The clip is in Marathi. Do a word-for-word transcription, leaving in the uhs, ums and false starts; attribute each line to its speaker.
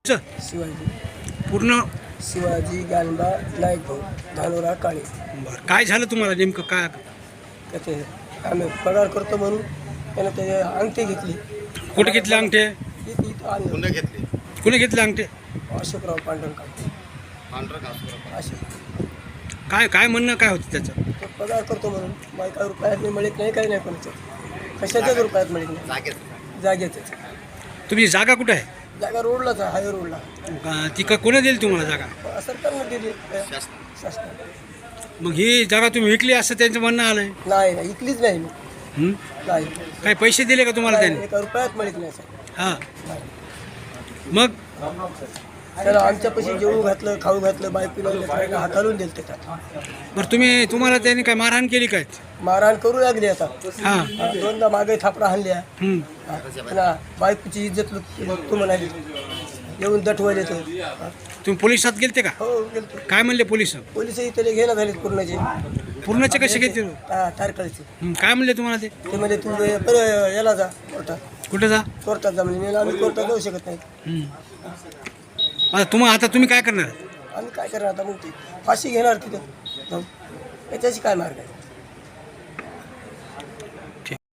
Speaker 1: तुमचं
Speaker 2: शिवाजी
Speaker 1: पूर्ण?
Speaker 2: शिवाजी ज्ञानबा नाईक भाऊ धानोरा काळे.
Speaker 1: बरं, काय झालं तुम्हाला नेमकं काय?
Speaker 2: तर ते आम्ही पगार करतो म्हणून त्यानं ते अंगठी घेतली.
Speaker 1: कुठे घेतले अंगठे?
Speaker 2: इथं- इथं आणलं.
Speaker 3: पुन्हा घेतली
Speaker 1: कुणी घेतले अंगठे?
Speaker 2: अशोकराव पांढरं काळे.
Speaker 3: पांढरा घास
Speaker 2: अशोक
Speaker 1: काय काय म्हणणं काय होतं त्याचं?
Speaker 2: तो पगार करतो म्हणून बायका रुपयात नाही मिळत नाही, काही नाही कोणाचं कशाच्याच रुपयात मिळत नाही.
Speaker 3: जागेत
Speaker 2: जागेच
Speaker 1: तुमची जागा कुठं आहे?
Speaker 2: जागा रोडलाच आहे, हाय रोडला.
Speaker 1: अं, ती का कोणी दिली तुम्हाला जागा?
Speaker 2: सरकारनं दिली
Speaker 3: शासन
Speaker 2: शासनाने.
Speaker 1: मग ही जागा तुम्ही विकली असं त्यांचं म्हणणं आलंय.
Speaker 2: नाही नाही इकलीच नाही मी.
Speaker 1: हं?
Speaker 2: नाही
Speaker 1: काय पैसे दिले का तुम्हाला
Speaker 2: नाही,
Speaker 1: त्यांनी?
Speaker 2: एका रुपयात मिळत नाही सर.
Speaker 1: हां.
Speaker 2: नाही.
Speaker 1: मग
Speaker 2: त्याला आमच्यापाशी जेवू घातलं, खाऊ घातलं, बायकोला लेकराला हाताळून दिलं त्याच्यात.
Speaker 1: बरं, तुम्ही तुम्हाला त्यांनी काय मारहाण केली काय?
Speaker 2: मारहाण करू लागली आता.
Speaker 1: हां.
Speaker 2: हा, दोनदा मागे थापडा हाणल्या.
Speaker 1: हं.
Speaker 2: हा, पुन्हा बायकोची इज्जत तू म्हणाली येऊन दटवले ते. हा.
Speaker 1: तुम्ही पोलिसात गेलते का?
Speaker 2: हो गेलतो.
Speaker 1: काय म्हणले पोलिस?
Speaker 2: पोलिसही त्याला घेणं झाले पूर्णचे.
Speaker 1: पूर्णचे कसे घेतले?
Speaker 2: हा, तारकळीचे.
Speaker 1: हं, काय म्हणले तुम्हाला ते?
Speaker 2: ते म्हणजे तू पर याला जा कोर्टात.
Speaker 1: कुठं जा?
Speaker 2: कोर्टात जा म्हणजे आम्ही कोर्टात जाऊ शकत नाही.
Speaker 1: हं. आता तुम्हाला आता तुम्ही काय करणार?
Speaker 2: आम्ही काय करणार आता मग ती फाशी घेणार तिथं जाऊन. याच्याशी काय मार्ग आहे?